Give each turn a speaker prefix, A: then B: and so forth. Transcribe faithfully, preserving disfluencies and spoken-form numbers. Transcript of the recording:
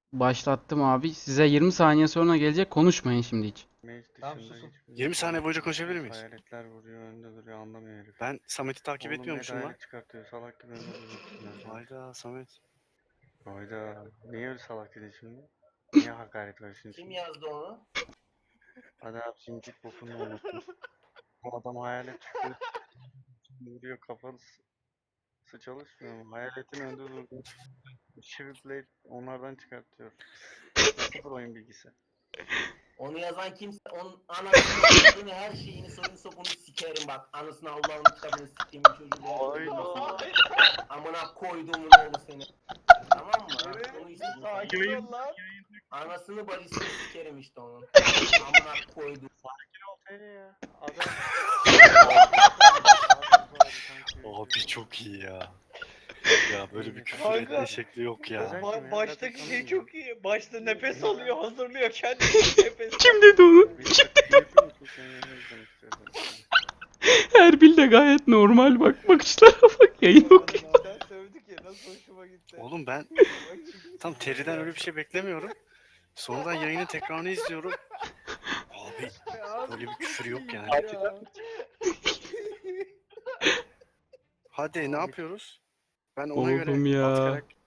A: Başlattım abi. Size yirmi saniye sonra gelecek. Konuşmayın şimdi hiç.
B: Mage
C: Tamam,
B: dışında
C: susun.
B: hiçbir
D: yirmi
B: şey
D: saniye
B: yok.
D: boyunca konuşabilir miyiz?
B: Hayaletler vuruyor, önde duruyor, anlamıyor herif.
D: Ben Samet'i takip
B: Oğlum
D: etmiyormuşum
B: Med
D: lan.
B: hayalet çıkartıyor, salak gibi önde duruyorsun ya.
D: Hayda Samet.
B: Hayda, niye öyle salak dedin şimdi? Niye hakaret var şimdi?
C: Kim yazdı onu?
B: Hadi abi şimdi git bokunu unuttum. Bu adam hayalet çıkıyor, vuruyor, kafası çalışmıyor mu? Hayaletin önde durduğu Shift Blade onlardan çıkartıyor. Sıfır oyun bilgisi.
C: Onu yazan kimse onun anasını adını her şeyini soyunu sopunu sikerim bak. Anasını Allah'ın kitabını siktiğimin çocuğu.
B: Hayda.
C: Amına koyduğumun oğlu seni. Tamam mı? Onu istedim.
E: Sakin ol lan.
C: Anasını bacısını sikerim işte onun. Amına koydum.
B: Ortaya ya. Adam.
D: Abi çok iyi ya. Ya böyle bir küfür
E: Kanka.
D: etme şekli yok ya.
B: Özel-
E: Ba- baştaki
B: Zaten
E: şey
B: tanımıyorum.
E: çok iyi. Başta nefes alıyor, hazırlıyor kendini nefes.
A: Kim dedi onu? Erbil de gayet normal bak. Bakışlara bak. Yayın okuyor.
E: Sen sövdük ya nasıl hoşuma gitti.
D: Oğlum ben
E: Bak şimdi-
D: tam Terry'den öyle bir şey beklemiyorum. Sonradan yayının tekrarını izliyorum. Abi
E: Ya,
D: böyle bir küfür yok yani.
E: ya.
D: Hadi ne yapıyoruz? Ben ona göre
A: Oğlum ya.
D: alt karak-